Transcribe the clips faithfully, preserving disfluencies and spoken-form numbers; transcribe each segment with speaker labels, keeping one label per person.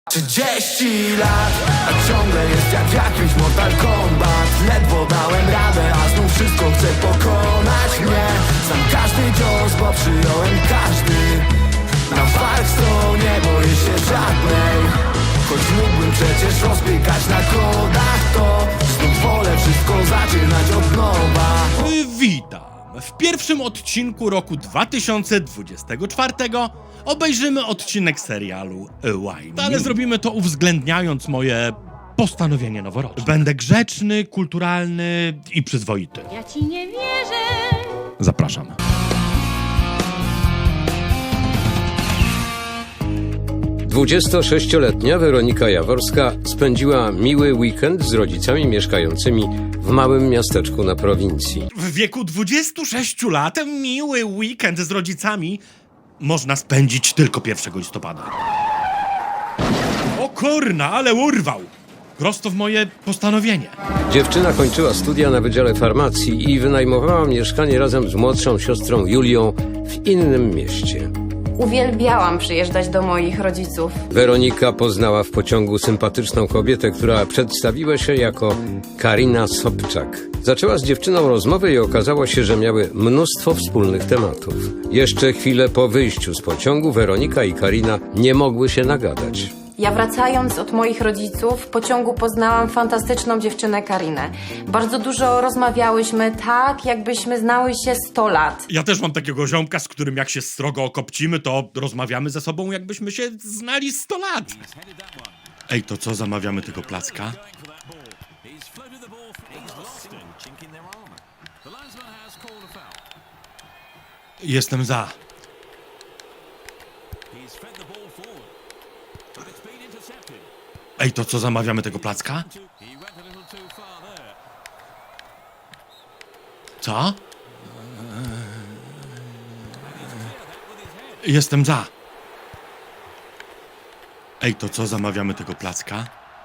Speaker 1: Trzydzieści lat, a ciągle jest jak jakiś Mortal Kombat. Ledwo dałem radę, a znów wszystko chcę pokonać mnie. Znam każdy cios, bo przyjąłem każdy. Na walk sto nie boję się żadnej. Choć mógłbym przecież rozpiekać na kodach, to znów wolę wszystko zaczynać od nowa.
Speaker 2: Witam! W pierwszym odcinku roku dwa tysiące dwudziestego czwartego obejrzymy odcinek serialu Why Me? Ale zrobimy to uwzględniając moje postanowienie noworoczne. Będę grzeczny, kulturalny i przyzwoity.
Speaker 3: Ja ci nie wierzę.
Speaker 2: Zapraszam.
Speaker 4: dwudziestosześcioletnia Weronika Jaworska spędziła miły weekend z rodzicami mieszkającymi w małym miasteczku na prowincji.
Speaker 2: W wieku dwudziestu sześciu lat miły weekend z rodzicami można spędzić tylko pierwszego listopada. O kurna, ale urwał! Prosto w moje postanowienie.
Speaker 4: Dziewczyna kończyła studia na Wydziale Farmacji i wynajmowała mieszkanie razem z młodszą siostrą Julią w innym mieście.
Speaker 5: Uwielbiałam przyjeżdżać do moich rodziców.
Speaker 4: Weronika poznała w pociągu sympatyczną kobietę, która przedstawiła się jako Karina Sobczak. Zaczęła z dziewczyną rozmowę i okazało się, że miały mnóstwo wspólnych tematów. Jeszcze chwilę po wyjściu z pociągu Weronika i Karina nie mogły się nagadać.
Speaker 5: Ja wracając od moich rodziców w pociągu poznałam fantastyczną dziewczynę Karinę. Bardzo dużo rozmawiałyśmy, tak jakbyśmy znały się sto lat.
Speaker 2: Ja też mam takiego ziomka, z którym jak się strogo okopcimy, to rozmawiamy ze sobą, jakbyśmy się znali sto lat. Ej, to co, zamawiamy tego placka? Jestem za. Ej, to co, zamawiamy tego placka? Co? Jestem za. Ej, to co, zamawiamy tego placka?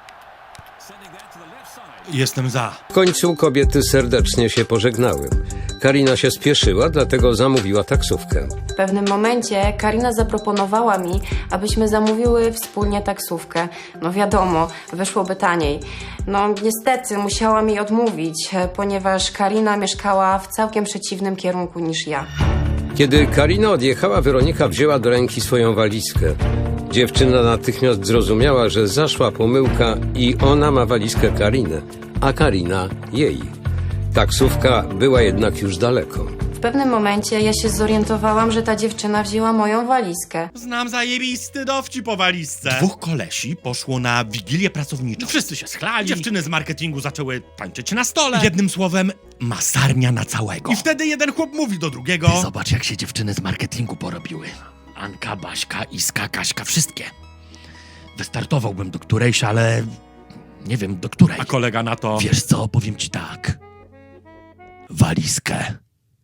Speaker 2: Jestem za.
Speaker 4: W końcu kobiety serdecznie się pożegnały. Karina się spieszyła, dlatego zamówiła taksówkę.
Speaker 5: W pewnym momencie Karina zaproponowała mi, abyśmy zamówiły wspólnie taksówkę. No wiadomo, wyszłoby taniej. No niestety musiałam jej odmówić, ponieważ Karina mieszkała w całkiem przeciwnym kierunku niż ja.
Speaker 4: Kiedy Karina odjechała, Weronika wzięła do ręki swoją walizkę. Dziewczyna natychmiast zrozumiała, że zaszła pomyłka i ona ma walizkę Kariny, a Karina jej. Taksówka była jednak już daleko.
Speaker 5: W pewnym momencie ja się zorientowałam, że ta dziewczyna wzięła moją walizkę.
Speaker 2: Znam zajebisty dowcip po walizce. Dwóch kolesi poszło na wigilię pracowniczą. Wszyscy się schlali. Dziewczyny z marketingu zaczęły tańczyć na stole. Jednym słowem, masarnia na całego. I wtedy jeden chłop mówi do drugiego: Ty zobacz, jak się dziewczyny z marketingu porobiły. Anka, Baśka, Iska, Kaśka, wszystkie. Wystartowałbym do którejś, ale nie wiem do której. A kolega na to: Wiesz co, powiem ci tak. Walizkę.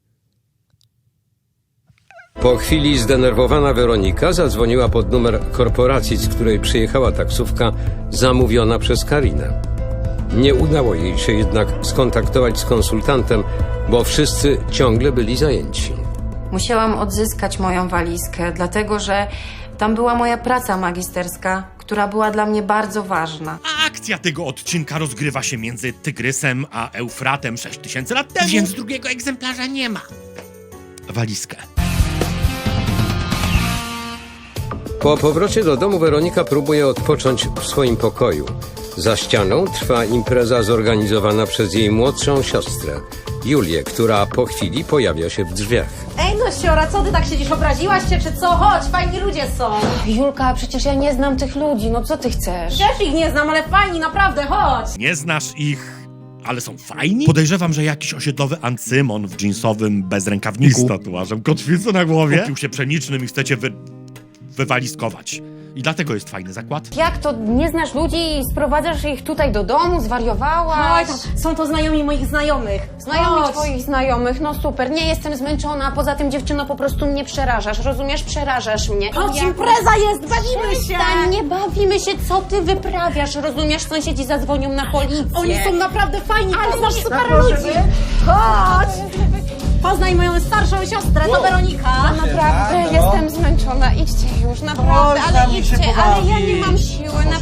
Speaker 4: Po chwili zdenerwowana Weronika zadzwoniła pod numer korporacji, z której przyjechała taksówka zamówiona przez Karinę. Nie udało jej się jednak skontaktować z konsultantem, bo wszyscy ciągle byli zajęci.
Speaker 5: Musiałam odzyskać moją walizkę, dlatego że tam była moja praca magisterska, która była dla mnie bardzo ważna.
Speaker 2: A akcja tego odcinka rozgrywa się między Tygrysem a Eufratem sześć tysięcy lat temu, więc drugiego egzemplarza nie ma. Walizkę.
Speaker 4: Po powrocie do domu Weronika próbuje odpocząć w swoim pokoju. Za ścianą trwa impreza zorganizowana przez jej młodszą siostrę, Julię, która po chwili pojawia się w drzwiach.
Speaker 3: Ej no siora, co ty tak siedzisz? Obraziłaś się czy co? Chodź, fajni ludzie są.
Speaker 5: Julka, przecież ja nie znam tych ludzi, no co ty chcesz?
Speaker 3: Też ich nie znam, ale fajni, naprawdę, chodź.
Speaker 2: Nie znasz ich, ale są fajni? Podejrzewam, że jakiś osiedlowy Ancymon w dżinsowym bezrękawniku z tatuażem kotwicy na głowie kupił się pszenicznym i chcecie wy... wywalizkować. I dlatego jest fajny zakład.
Speaker 5: Jak to, nie znasz ludzi i sprowadzasz ich tutaj do domu? Zwariowałaś?
Speaker 3: Chodź, są to znajomi moich znajomych.
Speaker 5: Znajomi
Speaker 3: Chodź.
Speaker 5: twoich znajomych, no super, nie jestem zmęczona, poza tym dziewczyno po prostu mnie przerażasz, rozumiesz? Przerażasz mnie.
Speaker 3: Chodź,
Speaker 5: Ja-
Speaker 3: impreza jest, bawimy się.
Speaker 5: Przestań, nie bawimy się, co ty wyprawiasz, rozumiesz? Sąsiedzi zadzwonią na policję.
Speaker 3: Oni są naprawdę fajni,
Speaker 5: Ale
Speaker 3: poznasz
Speaker 5: nie-
Speaker 3: super
Speaker 5: proszę,
Speaker 3: ludzi. Chodź. Poznaj moją starszą siostrę, to Weronika.
Speaker 5: Naprawdę, jestem zmęczona, idźcie już, naprawdę,
Speaker 6: Chodź,
Speaker 5: ale
Speaker 6: tam się
Speaker 5: idźcie, ale ja
Speaker 6: pobawić.
Speaker 5: nie mam siły,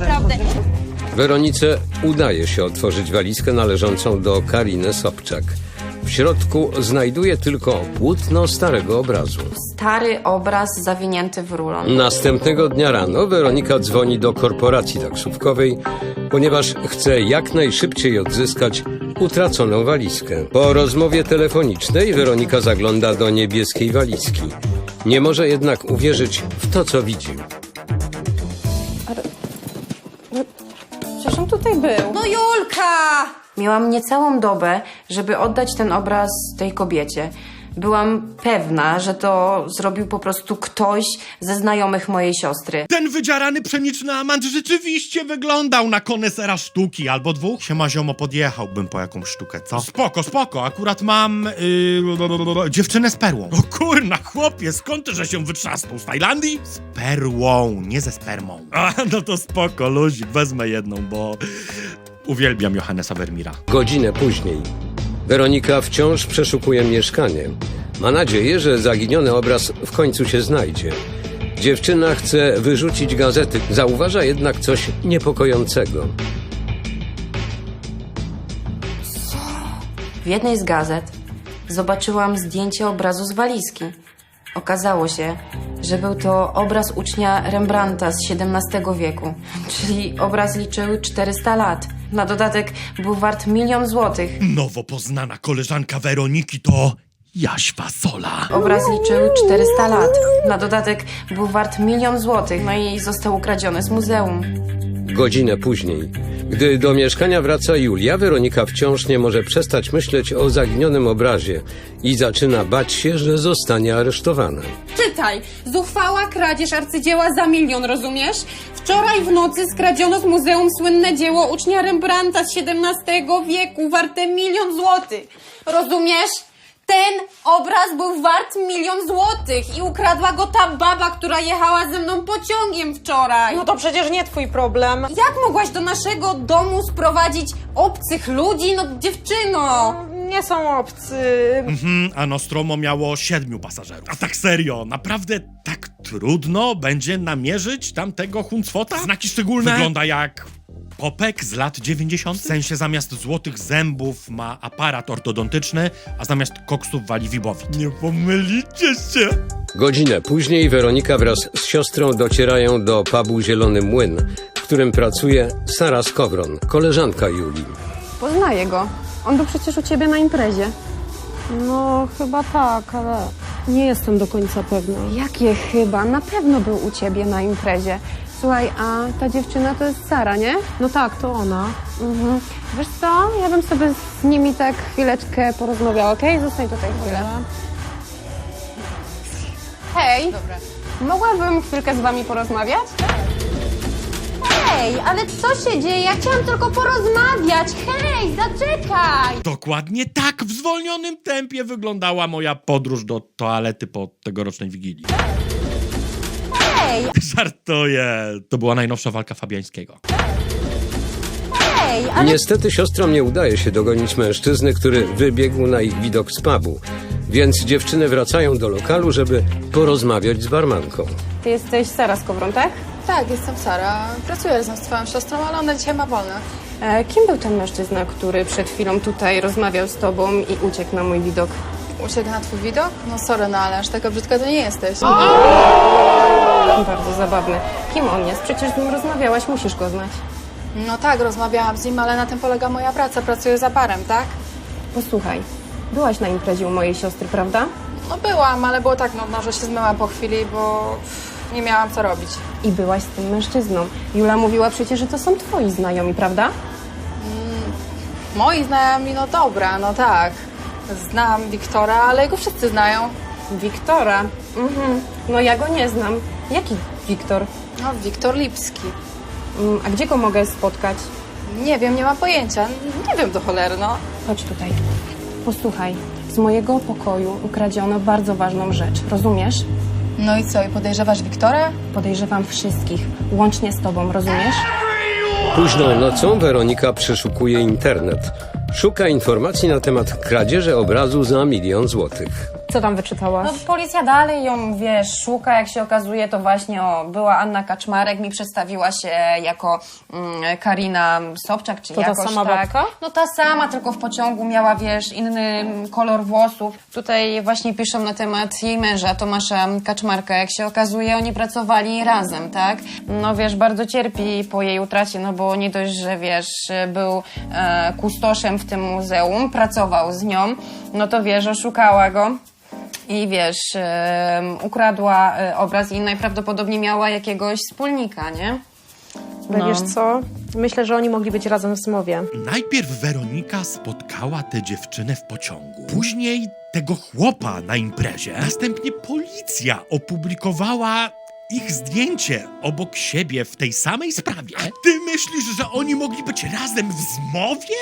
Speaker 4: Weronice udaje się otworzyć walizkę należącą do Kariny Sobczak. W środku znajduje tylko płótno starego obrazu.
Speaker 5: Stary obraz zawinięty w rulon.
Speaker 4: Następnego dnia rano Weronika dzwoni do korporacji taksówkowej, ponieważ chce jak najszybciej odzyskać utraconą walizkę. Po rozmowie telefonicznej Weronika zagląda do niebieskiej walizki. Nie może jednak uwierzyć w to, co widzi.
Speaker 5: Przecież on tutaj był.
Speaker 3: No Julka!
Speaker 5: Miałam niecałą dobę, żeby oddać ten obraz tej kobiecie. Byłam pewna, że to zrobił po prostu ktoś ze znajomych mojej siostry.
Speaker 2: Ten wydzierany pszeniczny amant rzeczywiście wyglądał na konesera sztuki albo dwóch. Siema ziomo, podjechałbym po jakąś sztukę, co? Spoko, spoko, akurat mam yy, dziewczynę z perłą. O kurna, chłopie, skąd ty, że się wytrzasnął? Z Tajlandii? Z perłą, nie ze spermą. A, no to spoko, luzik, wezmę jedną, bo uwielbiam Johannesa Vermeera.
Speaker 4: Godzinę później Weronika wciąż przeszukuje mieszkanie. Ma nadzieję, że zaginiony obraz w końcu się znajdzie. Dziewczyna chce wyrzucić gazety, zauważa jednak coś niepokojącego.
Speaker 5: W jednej z gazet zobaczyłam zdjęcie obrazu z walizki. Okazało się, że był to obraz ucznia Rembrandta z siedemnastego wieku, czyli obraz liczył czterysta lat. Na dodatek był wart milion złotych.
Speaker 2: Nowo poznana koleżanka Weroniki to Jaś Fasola.
Speaker 5: Obraz liczył czterysta lat. Na dodatek był wart milion złotych, no i został ukradziony z muzeum.
Speaker 4: Godzinę później, gdy do mieszkania wraca Julia, Weronika wciąż nie może przestać myśleć o zaginionym obrazie i zaczyna bać się, że zostanie aresztowana.
Speaker 6: Czytaj! Zuchwała kradzież arcydzieła za milion, rozumiesz? Wczoraj w nocy skradziono z muzeum słynne dzieło ucznia Rembrandta z siedemnastego wieku, warte milion złotych. Rozumiesz? Ten obraz był wart milion złotych i ukradła go ta baba, która jechała ze mną pociągiem wczoraj.
Speaker 3: No to przecież nie twój problem.
Speaker 6: Jak mogłaś do naszego domu sprowadzić obcych ludzi? No dziewczyno!
Speaker 3: Nie są obcy.
Speaker 2: Mhm, a Nostromo miało siedmiu pasażerów. A tak serio, naprawdę tak trudno będzie namierzyć tamtego huncwota? Znaki szczególne? Wygląda jak popek z lat dziewięćdziesiątych. W sensie zamiast złotych zębów ma aparat ortodontyczny, a zamiast koksów wali wibowit. Nie pomylicie się!
Speaker 4: Godzinę później Weronika wraz z siostrą docierają do pubu Zielony Młyn, w którym pracuje Sara Skowron, koleżanka Julii.
Speaker 7: Poznaję go. On był przecież u ciebie na imprezie.
Speaker 3: No chyba tak, ale
Speaker 7: Nie jestem do końca pewna.
Speaker 3: jakie chyba? Na pewno był u ciebie na imprezie.
Speaker 7: Słuchaj, a ta dziewczyna to jest Sara, nie?
Speaker 3: No tak, to ona.
Speaker 7: Mhm. Wiesz co? Ja bym sobie z nimi tak chwileczkę porozmawiała, okej? Zostań tutaj chwilę. Hej! Dobra. Mogłabym chwilkę z wami porozmawiać?
Speaker 6: Hej, ale co się dzieje? Ja chciałam tylko porozmawiać. Hej, zaczekaj!
Speaker 2: Dokładnie tak w zwolnionym tempie wyglądała moja podróż do toalety po tegorocznej Wigilii.
Speaker 6: Hej,
Speaker 2: Żartuję, to była najnowsza walka Fabiańskiego.
Speaker 6: hej, ale
Speaker 4: Niestety siostrom nie udaje się dogonić mężczyzny, który wybiegł na ich widok z pubu, więc dziewczyny wracają do lokalu, żeby porozmawiać z barmanką.
Speaker 7: Ty jesteś Sara Skowron, tak?
Speaker 8: Tak, jestem Sara. Pracuję razem z twoją siostrą, ale ona dzisiaj ma wolne.
Speaker 7: E, kim był ten mężczyzna, który przed chwilą tutaj rozmawiał z tobą i uciekł na mój widok?
Speaker 8: Uciekł na twój widok? No sorry, no ale aż taka brzydka to nie jesteś.
Speaker 7: Bardzo zabawny. Kim on jest? Przecież z nim rozmawiałaś, musisz go znać.
Speaker 8: No tak, rozmawiałam z nim, ale na tym polega moja praca. Pracuję za barem, tak?
Speaker 7: Posłuchaj, byłaś na imprezie u mojej siostry, prawda?
Speaker 8: No byłam, ale było tak nudno, że się zmyłam po chwili, bo nie miałam co robić.
Speaker 7: I byłaś z tym mężczyzną. Jula mówiła przecież, że to są twoi znajomi, prawda?
Speaker 8: Moi znajomi, no dobra, no tak. Znam Wiktora, ale jego wszyscy znają.
Speaker 7: Wiktora. Mhm. No ja go nie znam. Jaki Wiktor?
Speaker 8: No, Wiktor Lipski.
Speaker 7: Mm, a gdzie go mogę spotkać?
Speaker 8: Nie wiem, nie mam pojęcia. Nie wiem do cholery, no.
Speaker 7: Chodź tutaj. Posłuchaj, z mojego pokoju ukradziono bardzo ważną rzecz. Rozumiesz?
Speaker 8: No i co, i podejrzewasz Wiktora?
Speaker 7: Podejrzewam wszystkich, łącznie z tobą, rozumiesz?
Speaker 4: Późną nocą Weronika przeszukuje internet. Szuka informacji na temat kradzieży obrazu za milion złotych.
Speaker 7: Co tam wyczytałaś?
Speaker 5: No policja dalej ją, wiesz, szuka, jak się okazuje, to właśnie o, była Anna Kaczmarek, mi przedstawiła się jako mm, Karina Sobczak, czy
Speaker 7: To ta
Speaker 5: jakoś
Speaker 7: sama
Speaker 5: tak.
Speaker 7: babka?
Speaker 5: No ta sama, tylko w pociągu miała, wiesz, inny kolor włosów. Tutaj właśnie piszą na temat jej męża, Tomasza Kaczmarka, jak się okazuje, oni pracowali razem, tak? No wiesz, bardzo cierpi po jej utracie, no bo nie dość, że wiesz, był e, kustoszem w tym muzeum, pracował z nią, no to wiesz, oszukała go. I wiesz, um, ukradła e, obraz i najprawdopodobniej miała jakiegoś wspólnika, nie?
Speaker 7: Ale
Speaker 5: No.
Speaker 7: wiesz co? Myślę, że oni mogli być razem w zmowie.
Speaker 2: Najpierw Weronika spotkała tę dziewczynę w pociągu, później tego chłopa na imprezie, następnie policja opublikowała ich zdjęcie obok siebie w tej samej sprawie. A ty myślisz, że oni mogli być razem w zmowie?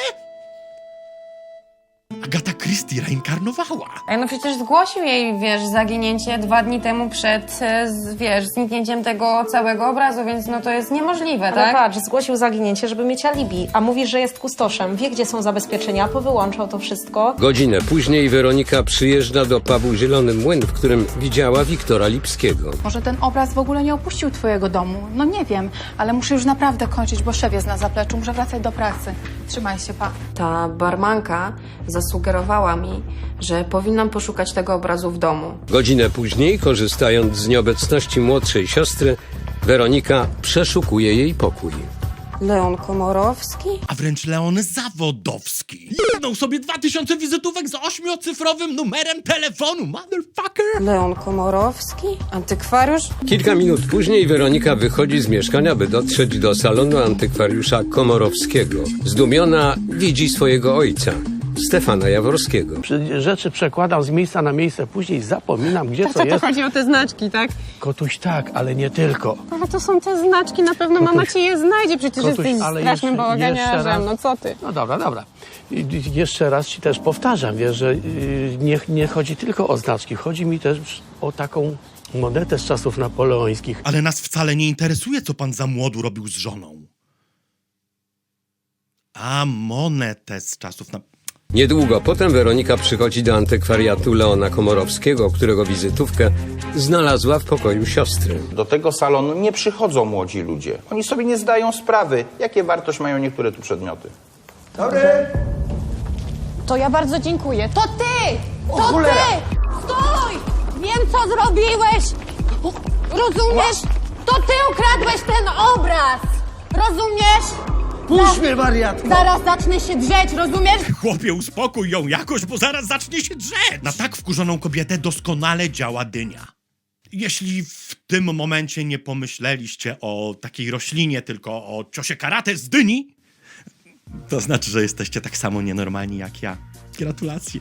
Speaker 2: Agata Christie reinkarnowała.
Speaker 5: Ej, no przecież zgłosił jej, wiesz, zaginięcie dwa dni temu przed, e, z, wiesz, zniknięciem tego całego obrazu, więc no to jest niemożliwe,
Speaker 7: Ale
Speaker 5: tak?
Speaker 7: patrz, zgłosił zaginięcie, żeby mieć alibi, a mówi, że jest kustoszem, wie gdzie są zabezpieczenia, powyłączał to wszystko.
Speaker 4: Godzinę później Weronika przyjeżdża do pubu Zielony Młyn, w którym widziała Wiktora Lipskiego.
Speaker 8: Może ten obraz w ogóle nie opuścił twojego domu? No nie wiem, ale muszę już naprawdę kończyć, bo szef jest na zapleczu, muszę wracać do pracy. Trzymaj się, pa.
Speaker 5: Ta barmanka zasugerowała mi, że powinnam poszukać tego obrazu w domu.
Speaker 4: Godzinę później, korzystając z nieobecności młodszej siostry, Weronika przeszukuje jej pokój.
Speaker 5: Leon Komorowski?
Speaker 2: A wręcz Leon Zawodowski. Jedną sobie dwa tysiące wizytówek z ośmiocyfrowym numerem telefonu, motherfucker!
Speaker 5: Leon Komorowski? Antykwariusz?
Speaker 4: Kilka minut później Weronika wychodzi z mieszkania, by dotrzeć do salonu antykwariusza Komorowskiego. Zdumiona widzi swojego ojca, Stefana Jaworskiego.
Speaker 9: Rzeczy przekładam z miejsca na miejsce, później zapominam, gdzie co
Speaker 6: To
Speaker 9: jest.
Speaker 6: chodzi o te znaczki, tak?
Speaker 9: Kotuś tak, ale nie tylko.
Speaker 6: Ale to są te znaczki, na pewno mama ci je znajdzie, przecież
Speaker 9: Kotuś,
Speaker 6: jesteś
Speaker 9: ale
Speaker 6: strasznym
Speaker 9: jeszcze- jeszcze
Speaker 6: bałaganiarzem,
Speaker 9: raz.
Speaker 6: no co ty?
Speaker 9: No dobra, dobra. I- i- Jeszcze raz ci też powtarzam, wiesz, że yy, nie, nie chodzi tylko o znaczki, chodzi mi też o taką monetę z czasów napoleońskich.
Speaker 2: Ale nas wcale nie interesuje, co pan za młodu robił z żoną. A monetę z czasów na...
Speaker 4: Niedługo potem Weronika przychodzi do antykwariatu Leona Komorowskiego, którego wizytówkę znalazła w pokoju siostry.
Speaker 10: Do tego salonu nie przychodzą młodzi ludzie. Oni sobie nie zdają sprawy, jakie wartość mają niektóre tu przedmioty.
Speaker 6: To ja bardzo dziękuję. To ty! To ty! Stój! Wiem, co zrobiłeś! Rozumiesz? To ty ukradłeś ten obraz! Rozumiesz?
Speaker 11: Puść mnie, wariatko!
Speaker 6: Zaraz zacznę się drzeć, rozumiesz?
Speaker 2: Chłopie, uspokój ją jakoś, bo zaraz zacznie się drzeć. Na tak wkurzoną kobietę doskonale działa dynia. Jeśli w tym momencie nie pomyśleliście o takiej roślinie, tylko o ciosie karate z dyni, to znaczy, że jesteście tak samo nienormalni jak ja. Gratulacje.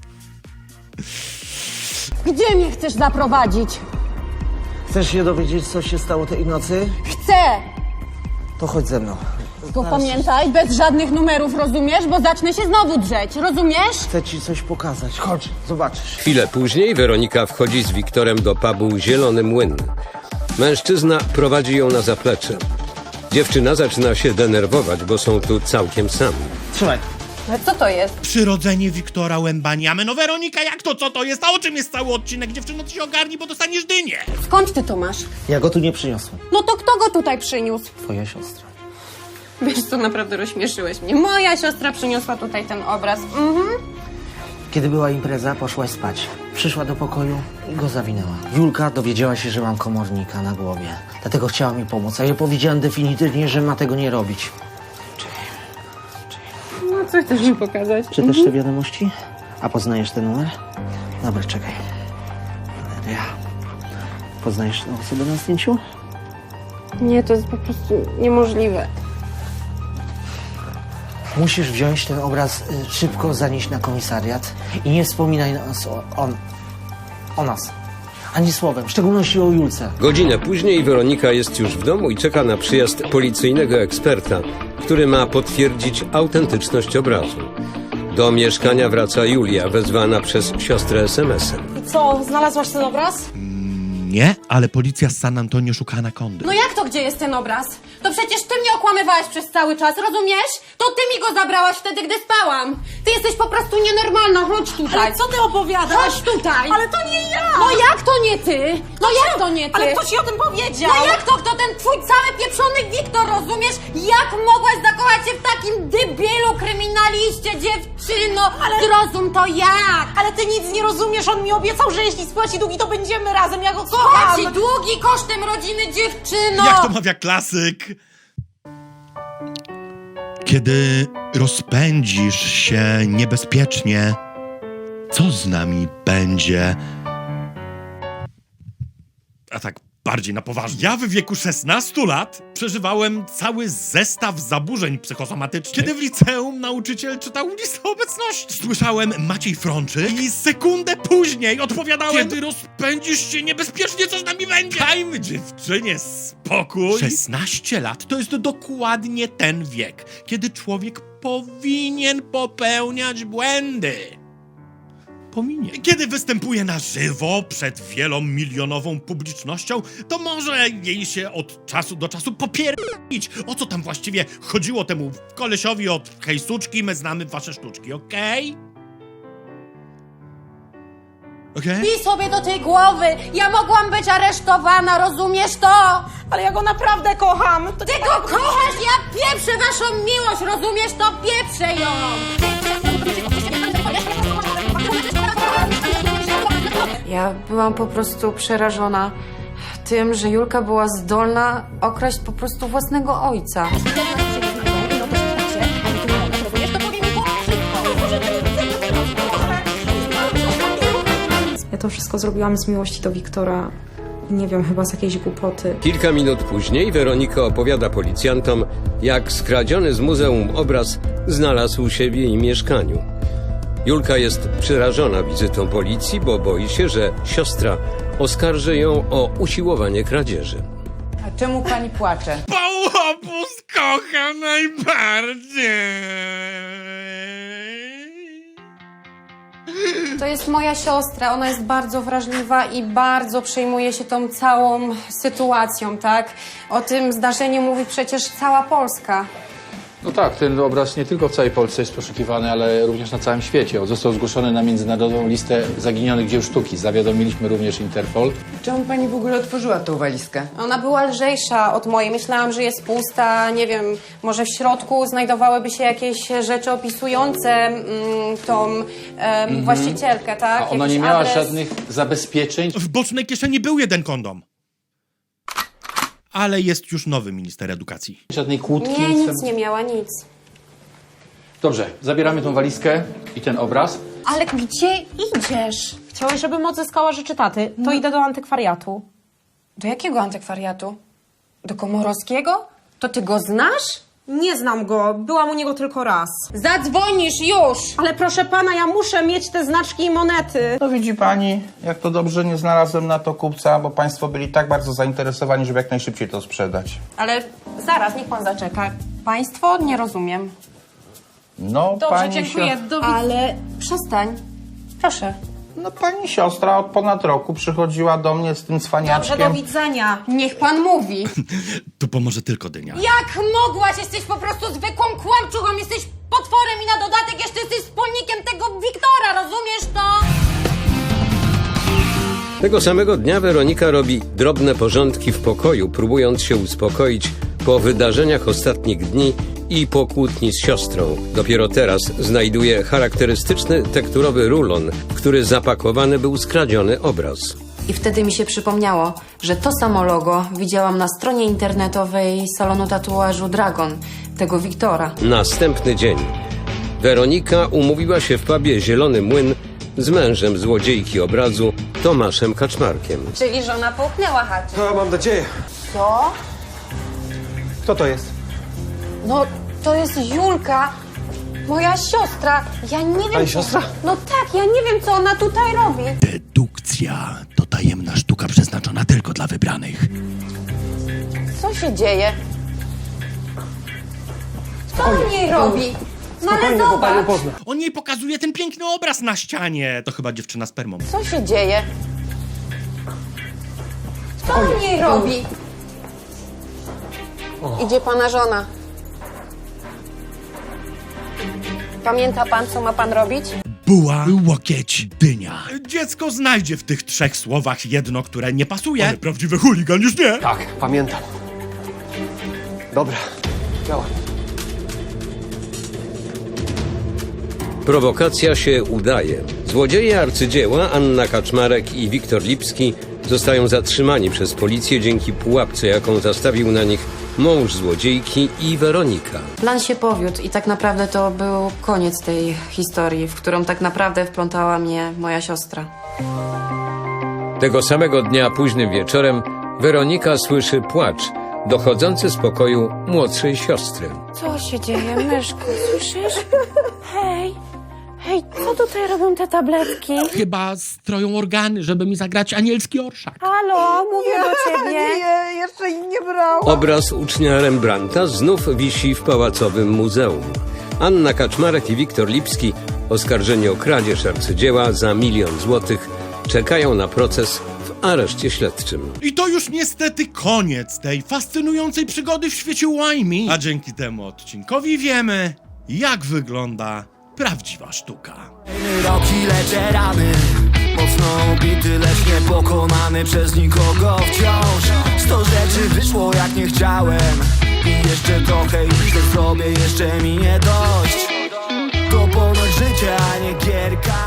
Speaker 6: Gdzie mnie chcesz zaprowadzić?
Speaker 11: Chcesz się dowiedzieć, co się stało tej nocy?
Speaker 6: Chcę!
Speaker 11: To chodź ze mną.
Speaker 6: Tylko pamiętaj, bez żadnych numerów, rozumiesz? Bo zacznę się znowu drzeć, rozumiesz?
Speaker 11: Chcę ci coś pokazać. Chodź, zobaczysz.
Speaker 4: Chwilę później Weronika wchodzi z Wiktorem do pubu Zielony Młyn. Mężczyzna prowadzi ją na zaplecze. Dziewczyna zaczyna się denerwować, bo są tu całkiem sami.
Speaker 11: Trzymaj.
Speaker 5: Ale co to jest?
Speaker 2: Przyrodzenie Wiktora Łębaniamy. No Weronika, jak to, co to jest? A o czym jest cały odcinek? Dziewczyno, ty się ogarnij, bo dostaniesz dynię.
Speaker 6: Skąd ty to masz?
Speaker 11: Ja go tu nie przyniosłem.
Speaker 6: No to kto go tutaj przyniósł?
Speaker 11: Twoja siostra.
Speaker 5: Wiesz co, naprawdę rozśmieszyłeś mnie. Moja siostra przyniosła tutaj ten obraz. Mhm.
Speaker 11: Kiedy była impreza, poszłaś spać. Przyszła do pokoju i go zawinęła. Julka dowiedziała się, że mam komornika na głowie. Dlatego chciała mi pomóc, a ja powiedziałem definitywnie, że ma tego nie robić.
Speaker 6: No co chcesz mi pokazać?
Speaker 11: Czytasz te wiadomości? A poznajesz ten numer? Dobra, czekaj. Valeria. Poznajesz tę osobę na zdjęciu?
Speaker 6: Nie, to jest po prostu niemożliwe.
Speaker 11: Musisz wziąć ten obraz, y, szybko zanieść na komisariat i nie wspominaj nas o, on, o nas. Ani słowem, w szczególności o Julce.
Speaker 4: Godzinę później Weronika jest już w domu i czeka na przyjazd policyjnego eksperta, który ma potwierdzić autentyczność obrazu. Do mieszkania wraca Julia, wezwana przez siostrę es em esem.
Speaker 7: I co, znalazłaś ten obraz?
Speaker 2: Nie, ale policja z San Antonio szuka anakondy.
Speaker 6: No jak to, gdzie jest ten obraz? To przecież ty mnie okłamywałeś przez cały czas, rozumiesz? To To ty mi go zabrałaś wtedy, gdy spałam. Ty jesteś po prostu nienormalna, chodź tutaj.
Speaker 3: Ale co ty opowiadasz?
Speaker 6: Chodź tutaj.
Speaker 3: Ale to nie ja!
Speaker 6: No jak to nie ty? No jak to nie ty?
Speaker 3: Ale kto ci o tym powiedział?
Speaker 6: No jak to? Kto ten twój cały pieprzony Wiktor, rozumiesz? Jak mogłaś zakochać się w takim debilu, kryminaliście, dziewczyno? Ale... Zrozum to jak?
Speaker 3: Ale ty nic nie rozumiesz, on mi obiecał, że jeśli spłaci długi, to będziemy razem, ja go kocham!
Speaker 6: Płaci długi kosztem rodziny, dziewczyno!
Speaker 2: Jak to mawia klasyk? Kiedy rozpędzisz się niebezpiecznie, co z nami będzie? A tak bardziej na poważnie. Ja w wieku szesnastu lat przeżywałem cały zestaw zaburzeń psychosomatycznych. Kiedy w liceum nauczyciel czytał listę obecności. Słyszałem Maciej Frączyk i sekundę później odpowiadałem: kiedy rozpędzisz się niebezpiecznie, co z nami będzie? Dajmy dziewczynie spokój. szesnaście lat to jest dokładnie ten wiek, kiedy człowiek powinien popełniać błędy. Powinien. Kiedy występuje na żywo przed wielomilionową publicznością, to może jej się od czasu do czasu popierdolić. O co tam właściwie chodziło temu kolesiowi od hej suczki, my znamy wasze sztuczki, okej? Okej?
Speaker 6: Pij sobie do tej głowy! Ja mogłam być aresztowana, rozumiesz to?
Speaker 3: Ale ja go naprawdę kocham! To
Speaker 6: Ty go kochasz, ja pieprzę waszą miłość, rozumiesz to? Pieprzę ją!
Speaker 5: Ja byłam po prostu przerażona tym, że Julka była zdolna okraść po prostu własnego ojca.
Speaker 7: Ja to wszystko zrobiłam z miłości do Wiktora. Nie wiem, chyba z jakiejś głupoty.
Speaker 4: Kilka minut później Weronika opowiada policjantom, jak skradziony z muzeum obraz znalazł się w jej mieszkaniu. Julka jest przerażona wizytą policji, bo boi się, że siostra oskarży ją o usiłowanie kradzieży.
Speaker 12: A czemu pani płacze?
Speaker 2: Pałopus kocha najbardziej.
Speaker 5: To jest moja siostra, ona jest bardzo wrażliwa i bardzo przejmuje się tą całą sytuacją, tak? O tym zdarzeniu mówi przecież cała Polska.
Speaker 10: No tak, ten obraz nie tylko w całej Polsce jest poszukiwany, ale również na całym świecie. Został zgłoszony na międzynarodową listę zaginionych dzieł sztuki. Zawiadomiliśmy również Interpol.
Speaker 12: Czemu pani w ogóle otworzyła tą walizkę?
Speaker 5: Ona była lżejsza od mojej. Myślałam, że jest pusta, nie wiem, może w środku znajdowałyby się jakieś rzeczy opisujące mm, tą em,
Speaker 10: Mhm.
Speaker 5: właścicielkę, tak?
Speaker 10: A ona
Speaker 5: Jakiś
Speaker 10: nie miała
Speaker 5: adres.
Speaker 10: żadnych zabezpieczeń?
Speaker 2: W bocznej kieszeni był jeden kondom. Ale jest już nowy minister edukacji.
Speaker 10: Żadnej kłódki?
Speaker 5: Nie, nic nie miała, nic.
Speaker 10: Dobrze, zabieramy tą walizkę i ten obraz.
Speaker 3: Ale gdzie idziesz? Chciałeś, żebym odzyskała rzeczy taty. To idę do antykwariatu.
Speaker 5: Do jakiego antykwariatu? Do Komorowskiego? To ty go znasz?
Speaker 3: Nie znam go, byłam u niego tylko raz.
Speaker 6: Zadzwonisz już!
Speaker 3: Ale proszę pana, ja muszę mieć te znaczki i monety.
Speaker 10: No widzi pani, jak to dobrze nie znalazłem na to kupca, bo państwo byli tak bardzo zainteresowani, żeby jak najszybciej to sprzedać.
Speaker 5: Ale zaraz, niech pan zaczeka. Państwo? Nie rozumiem.
Speaker 10: No,
Speaker 3: Dobrze,
Speaker 10: pani
Speaker 3: dziękuję.
Speaker 10: sio-
Speaker 3: Do
Speaker 5: Ale przestań. Proszę.
Speaker 10: No pani siostra od ponad roku przychodziła do mnie z tym cwaniaczkiem.
Speaker 3: Dobrze, do widzenia.
Speaker 5: Niech pan mówi.
Speaker 2: Tu pomoże tylko dynia.
Speaker 6: Jak mogłaś? Jesteś po prostu zwykłą kłamczuchą, jesteś potworem i na dodatek jeszcze jesteś wspólnikiem tego Wiktora, rozumiesz to?
Speaker 4: Tego samego dnia Weronika robi drobne porządki w pokoju, próbując się uspokoić po wydarzeniach ostatnich dni i po kłótni z siostrą. Dopiero teraz znajduje charakterystyczny tekturowy rulon, w który zapakowany był skradziony obraz.
Speaker 5: I wtedy mi się przypomniało, że to samo logo widziałam na stronie internetowej salonu tatuażu Dragon, tego Wiktora.
Speaker 4: Następny dzień. Weronika umówiła się w pubie Zielony Młyn z mężem złodziejki obrazu, Tomaszem Kaczmarkiem.
Speaker 5: Czyli żona połknęła haczyk.
Speaker 13: No, mam nadzieję.
Speaker 5: Co?
Speaker 13: Kto to jest?
Speaker 5: No, to jest Julka, moja siostra. Ja nie wiem...
Speaker 13: Pani
Speaker 5: co-
Speaker 13: siostra?
Speaker 5: No tak, ja nie wiem, co ona tutaj robi.
Speaker 2: Dedukcja to tajemna sztuka przeznaczona tylko dla wybranych.
Speaker 5: Co się dzieje? Co on jej robi? No ale
Speaker 13: Spokojnie, bo panią
Speaker 5: zobacz,
Speaker 13: pozna.
Speaker 2: On jej pokazuje ten piękny obraz na ścianie. To chyba dziewczyna z permą.
Speaker 5: co się dzieje? Co on jej robi? Idzie pana żona. Pamięta pan, co ma pan robić?
Speaker 2: Buła, łokieć, dynia. Dziecko znajdzie w tych trzech słowach jedno, które nie pasuje. Ale prawdziwy chuligan już nie.
Speaker 13: Tak, pamiętam. Dobra, działa.
Speaker 4: Prowokacja się udaje. Złodzieje arcydzieła Anna Kaczmarek i Wiktor Lipski zostają zatrzymani przez policję dzięki pułapce, jaką zastawił na nich mąż złodziejki i Weronika.
Speaker 5: Plan się powiódł i tak naprawdę to był koniec tej historii, w którą tak naprawdę wplątała mnie moja siostra.
Speaker 4: Tego samego dnia późnym wieczorem Weronika słyszy płacz dochodzący z pokoju młodszej siostry.
Speaker 7: Co się dzieje, myszku? Słyszysz? Hej, hej, co tutaj robią te tabletki?
Speaker 2: Chyba stroją organy, żeby mi zagrać anielski orszak.
Speaker 7: Halo, mówię do ciebie.
Speaker 12: Nie, jeszcze ich nie brałam.
Speaker 4: Obraz ucznia Rembrandta znów wisi w Pałacowym Muzeum. Anna Kaczmarek i Wiktor Lipski, oskarżeni o kradzież arcydzieła za milion złotych, czekają na proces w areszcie śledczym.
Speaker 2: I to już niestety koniec tej fascynującej przygody w świecie łajmi. A dzięki temu odcinkowi wiemy, jak wygląda prawdziwa sztuka.
Speaker 1: Roki leczę rany, mocno ubity, lecz niepokonany przez nikogo wciąż. Sto rzeczy wyszło jak nie chciałem i jeszcze trochę i źle zrobię, jeszcze mi nie dość. To ponoć życie, a nie gierka.